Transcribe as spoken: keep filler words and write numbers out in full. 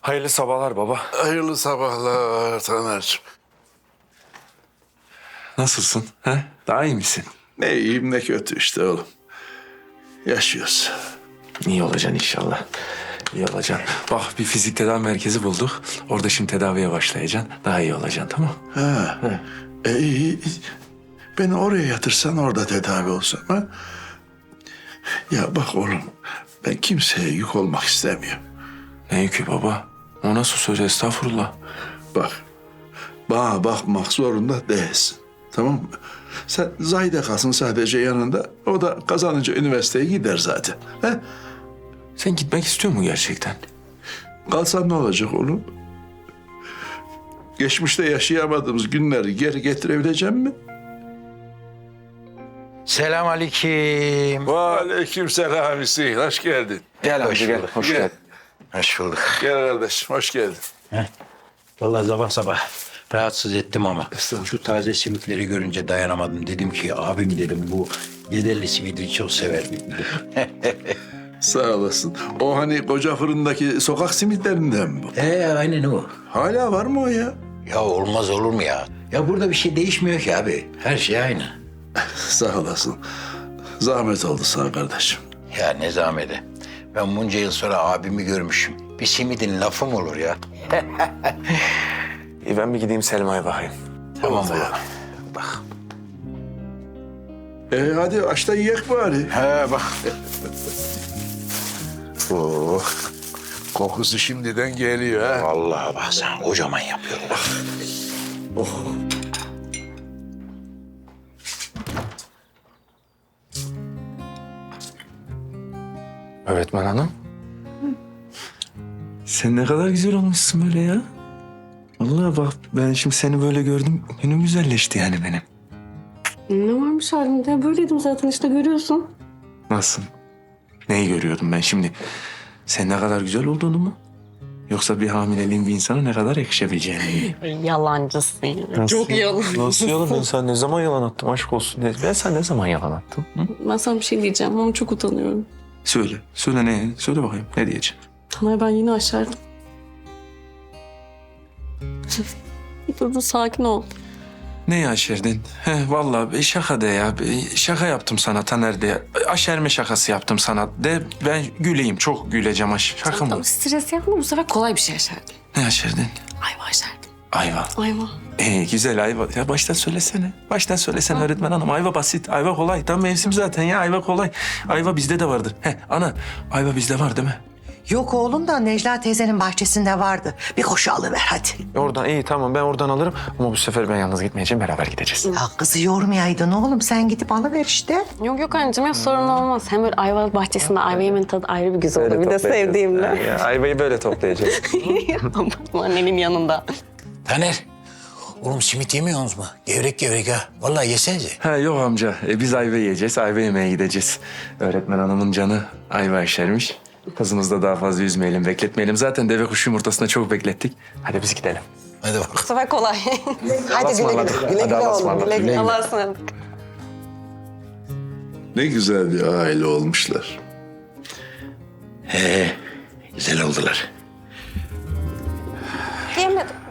Hayırlı sabahlar baba. Hayırlı sabahlar Taner'cim. Nasılsın? He? Daha iyi misin? Ne iyiyim ne kötü işte oğlum. Yaşıyoruz. İyi olacaksın inşallah. İyi olacaksın. Bak bir fizik tedavi merkezi bulduk. Orada şimdi tedaviye başlayacaksın. Daha iyi olacaksın, tamam? Ha. E, iyi. Beni oraya yatırsan orada tedavi olsam ha? Ya bak oğlum, ben kimseye yük olmak istemiyorum. Ne yükü baba? O nasıl söz, estağfurullah. Bak, bana bakmak zorunda değilsin. Tamam mı? Sen Zahide kalsın sadece yanında. O da kazanınca üniversiteye gider zaten. He? Sen gitmek istiyor mu gerçekten? Kalsam ne olacak oğlum? Geçmişte yaşayamadığımız günleri geri getirebileceğim mi? Selamünaleyküm. Aleyküm selam Hüseyin. Hoş geldin. Gel Hoş gel, hoş Gel. geldin. Hoş bulduk. Gel kardeşim, hoş geldin. Vallahi sabah sabah rahatsız ettim ama şu taze simitleri görünce dayanamadım. Dedim ki abim dedim bu Gederli simidi çok sever. Sağ olasın. O hani koca fırındaki sokak simitlerinden mi bu? Ee aynen o. Hala var mı o ya? Ya olmaz olur mu ya? Ya burada bir şey değişmiyor ki abi. Her şey aynı. Sağ olasın. Zahmet oldu sana kardeşim. Ya ne zahmeti. Ben bunca yıl sonra abimi görmüşüm. Bir simidin lafı mı olur ya? İyi, ben bir gideyim Selma'ya bakayım. Tamam baba. Bak. E hadi aç da yiyek bari. He bak. Oh, kokusu şimdiden geliyor ha. Vallahi bak sen kocaman yapıyorsun. Bak. Öğretmen hanım. Sen ne kadar güzel olmuşsun böyle ya. Vallahi bak ben şimdi seni böyle gördüm. Günüm güzelleşti yani benim. Ne varmış halimde? Böyleydim zaten işte görüyorsun. Nasıl? Neyi görüyordum ben şimdi? Sen ne kadar güzel olduğunu mu? Yoksa bir hamileliğin bir insana ne kadar yakışabileceğini mi? Yalancısın ya. Çok yalancısın. Nasıl yalan? Ben sana ne zaman yalan attım? Aşk olsun. Ben sana ne zaman yalan attım? Hı? Ben sana bir şey diyeceğim ama çok utanıyorum. Söyle. Söyle ne? Söyle bakayım. Ne diyeceksin? Taner ben yine aşerdim. Dur dur sakin ol. Ne yaşırdın? He vallahi bir şaka de ya. Bir şaka yaptım sana Taner de. Aşerme şakası yaptım sana de. Ben güleyim. Çok güleceğim aş. Şaka mı? Tamam stres yapma bu sefer kolay bir şey aşerdin. Ne yaşırdın? Ayva aşerdim. Ayva. Ayva. Ee, güzel ayva. Ya baştan söylesene. Baştan söylesene öğretmen hanım. Ayva basit. Ayva kolay. Tam mevsim zaten ya. Ayva kolay. Ayva bizde de vardır. He ana. Ayva bizde var değil mi? Yok oğlum da Necla teyzenin bahçesinde vardı. Bir koşu alıver hadi. Oradan iyi tamam ben oradan alırım. Ama bu sefer ben yalnız gitmeyeceğim. Beraber gideceğiz. Ya kızı yormayaydın oğlum. Sen gidip alıver işte. Yok yok anneciğim ya sorun olmaz. Hem böyle ayva bahçesinde ayva yemenin tadı ayrı bir güzel olur. Bir de sevdiğimle. Ya, ayvayı böyle toplayacağız. Abartma annenin yanında. Taner. Oğlum simit yemiyorsunuz mu? Gevrek gevrek ha. Vallahi yesenize. Ha yok amca. E, biz ayva yiyeceğiz. Ayva yemeye gideceğiz. Öğretmen hanımın canı ayva işermiş. Kızımızı da daha fazla üzmeyelim, bekletmeyelim. Zaten deve kuşu yumurtasını çok beklettik. Hadi biz gidelim. Hadi bak. Bu sefer kolay. Hadi güle güle. Güle güle oğlum. Güle güle. Allah'a ısmarladık. Ne güzel bir aile olmuşlar. He, güzel oldular. Yemedim.